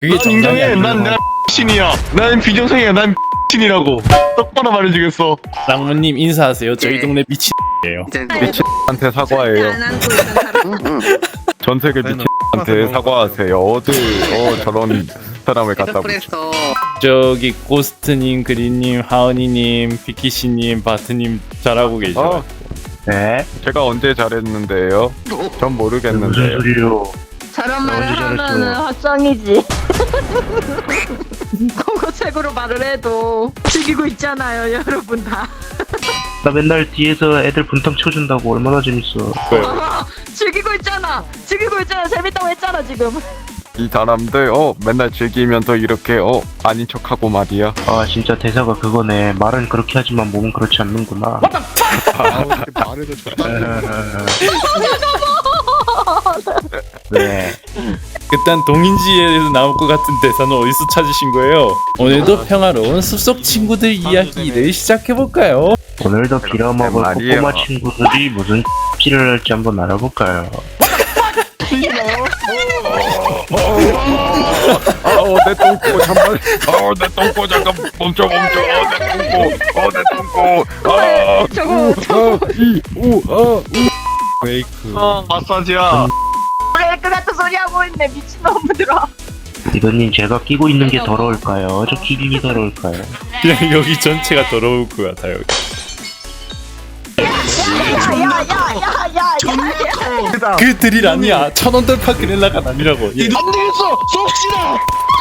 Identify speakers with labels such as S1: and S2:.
S1: 그게
S2: 난
S1: 정상이
S2: 인정해.
S1: 아니고.
S2: 난 내가 신이야. 난 비정상이야. 난 신이라고. 똑바로 말해주겠어.
S1: 랑무님 인사하세요. 저희
S3: 네.
S1: 동네 미친이에요.
S3: 이제
S4: 미친한테 사과해요.
S5: 안 안고 있던 사람.
S4: 전 세계 미친한테 사과하세요. 어디 저런 사람을 갖다 붙여.
S3: 그랬어.
S1: 저기 고스트님, 그린님, 하은이님, 비키씨님, 바트님 잘하고 계셔.
S4: 어,
S6: 네?
S4: 제가 언제 잘했는데요? 전 모르겠는데요.
S6: 소리요?
S5: 저런 말을
S6: 언제 잘했어?
S5: 하면은 확정이지. 공고책으로 말을 해도 즐기고 있잖아요, 여러분 다.
S6: 나 맨날 뒤에서 애들 분탕 쳐준다고 얼마나 재밌어.
S5: 즐기고 있잖아. 즐기고 있잖아. 재밌다고 했잖아 지금.
S4: 이 사람들 맨날 즐기면서 이렇게 아닌 척하고 말이야.
S6: 아 진짜 대사가 그거네. 말은 그렇게 하지만 몸은 그렇지 않는구나.
S4: 말해도
S6: 네.
S1: 그딴 동인지에서 나올 것 같은 대사는 어디서 찾으신 거예요? 오늘도 평화로운 숲속 친구들 이야기를 시작해볼까요?
S6: 오늘도 빌어먹을
S4: 말이에요.
S6: 꼬꼬마 친구들이 무슨 X를 할지 한번 알아볼까요?
S4: 내 똥꼬 잠깐. 내 똥꼬 잠깐 멈춰. 내 똥꼬.
S5: 저거
S1: 웨이크.
S2: 마사지야.
S5: 브레이크 같은 소리 하고 있네 미친놈들아.
S6: 이거님 제가 끼고 있는 게 더러울까요? 저 기분이 더러울까요?
S1: 그냥 여기 전체가 더러울 것 같아요.
S5: 야야야야야야.
S1: 그 드릴 아니야. 천원 돌파 그릴라가 아니라고. 예.
S2: 안 되겠어. 쏩시다.